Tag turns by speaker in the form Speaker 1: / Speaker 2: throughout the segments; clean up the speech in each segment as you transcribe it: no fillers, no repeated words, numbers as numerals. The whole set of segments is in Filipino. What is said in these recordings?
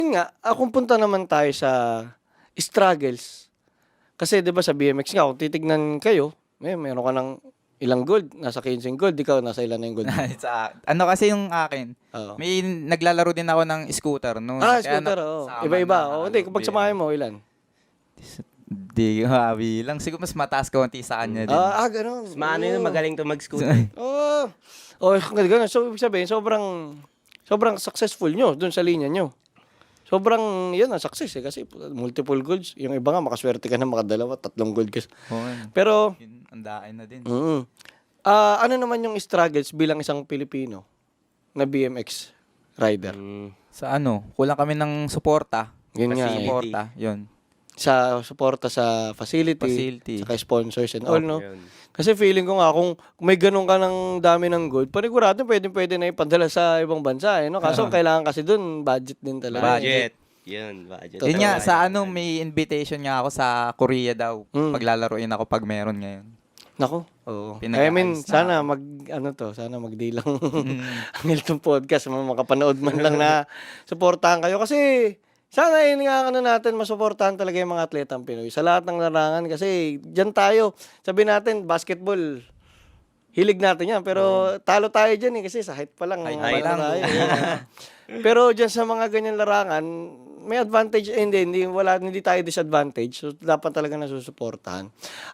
Speaker 1: Yun nga, kung punta naman tayo sa struggles. Kasi 'di ba sa BMX nga kung titignan kayo, meron ka ng ilang gold, nasa 15 gold, ikaw nasa ilan na yung gold mo?
Speaker 2: Ano kasi yung akin,
Speaker 1: Oo.
Speaker 2: may naglalaro din ako ng scooter noon.
Speaker 1: Scooter, oo. Iba-iba. Hindi, kung pagsamahin mo, ilan?
Speaker 2: Di lang. Siguro mas mataas kaunti sa kanya din.
Speaker 1: Ganun.
Speaker 3: Mas maano yun, magaling to mag-scooter.
Speaker 1: Oo. Ganun. So, ibig sabihin, sobrang successful nyo dun sa linya nyo. Sobrang, yan ang success kasi multiple golds. Yung iba nga, makaswerte ka na makadalawa, 3 gold ka. Pero,
Speaker 2: Yun, andain na din.
Speaker 1: ano naman yung struggles bilang isang Pilipino na BMX rider?
Speaker 2: Sa kulang kami ng suporta.
Speaker 1: Yun nga.
Speaker 2: Suporta, yun.
Speaker 1: Sa suporta sa facility. Saka sponsors and all, no?
Speaker 3: Yun.
Speaker 1: Kasi feeling ko nga, kung may ganun ka ng dami ng gold, panigurado pwede na ipadala sa ibang bansa, no? Kaso kailangan kasi dun, budget din talaga.
Speaker 3: Budget. Yun, budget.
Speaker 2: Yun nga, sa may invitation nga ako sa Korea daw. Paglalaroin ako pag meron ngayon.
Speaker 1: Nako, oo.
Speaker 2: Pinag-ayos na
Speaker 1: sana sana magdilang ang Hilton Podcast, makapanood man lang na suportahan kayo. Kasi, sana natin masuportahan talaga yung mga atletang Pinoy sa lahat ng larangan kasi diyan tayo. Sabi natin basketball. Hilig natin 'yan pero talo tayo diyan kasi sa height pa lang.
Speaker 2: Height pa lang.
Speaker 1: Tayo. Pero diyan sa mga ganyan larangan, may advantage hindi tayo disadvantage. So dapat talaga nasusuportahan.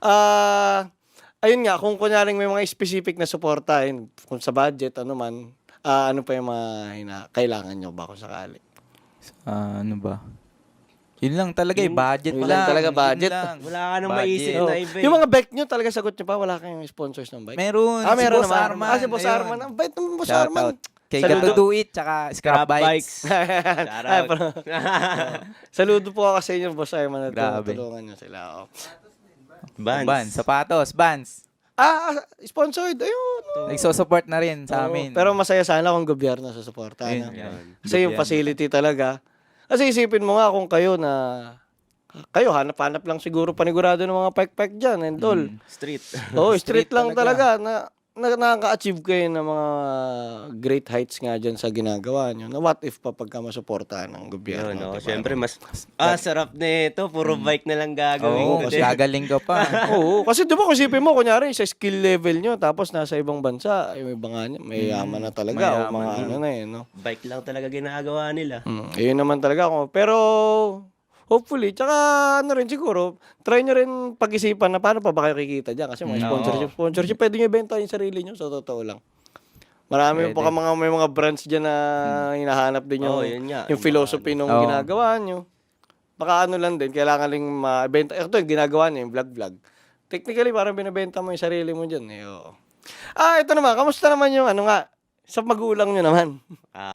Speaker 1: Ayun nga, kung kunyaring may mga specific na suporta kung sa budget ano man, ano pa yung mga kailangan nyo ba kung sakali?
Speaker 2: Ano ba? Yun lang talaga budget
Speaker 1: yun
Speaker 2: lang.
Speaker 1: lang talaga, budget.
Speaker 3: Wala ka nang
Speaker 2: Budget.
Speaker 3: maisip na iba.
Speaker 1: Yung mga bike nyo, talaga sagot nyo pa, wala kayong sponsors ng bike?
Speaker 2: Meron.
Speaker 1: Meron
Speaker 2: si Boss
Speaker 1: naman.
Speaker 2: Arman.
Speaker 1: Si Boss
Speaker 2: Ayun.
Speaker 1: Arman. Ang bait ng Boss
Speaker 2: Shout
Speaker 1: Arman.
Speaker 2: out. Kay
Speaker 1: Saludo.
Speaker 2: Gato Do It, tsaka Scrap Bikes.
Speaker 3: Shoutout.
Speaker 1: Saludo po ako sa inyo, Boss Arman, na
Speaker 2: Grabe.
Speaker 1: tulungan nyo sila.
Speaker 2: Vans. Sapatos. Vans.
Speaker 1: Sponsored. Ayun.
Speaker 2: Nagsosupport na rin sa amin.
Speaker 1: Pero masaya sana kung gobyerno sa suporta.
Speaker 2: Ayun,
Speaker 1: Ano?
Speaker 2: yan.
Speaker 1: Kasi yung facility talaga. Kasi isipin mo nga kung kayo hanap-hanap lang siguro panigurado ng mga pike-pike dyan and all.
Speaker 3: Street.
Speaker 1: Street lang talaga na nakaka-achieve kayo ng mga great heights nga dyan sa ginagawa nyo. Na what if pa pagka masuportahan ng gobyerno?
Speaker 3: Yun,
Speaker 1: diba?
Speaker 3: syempre sarap nito. Puro bike na lang gagawin
Speaker 2: Oo,
Speaker 3: ko.
Speaker 2: mas gagaling ka pa.
Speaker 1: Oo, kasi di ba kung isipin mo, kunyari sa skill level nyo, tapos nasa ibang bansa, may banga nyo, may yaman na talaga, o mga ano na no?
Speaker 3: Bike lang talaga ginagawa nila.
Speaker 1: Yun naman talaga ako. Pero, hopefully, tsaka siguro, try nyo rin pag-isipan na paano pa ba kayo kikita dyan. Kasi mga sponsorship, pwede nyo ibenta yung sarili nyo, sa totoo lang. Marami pa may mga brands dyan na hinahanap din
Speaker 3: yun nga.
Speaker 1: yung philosophy nung ginagawa nyo. Baka lang din, kailangan rin mabenta. Ito yung ginagawa nyo, yung vlog. Technically, parang binibenta mo yung sarili mo dyan. Ito naman, kamusta naman yung sa magulang nyo naman?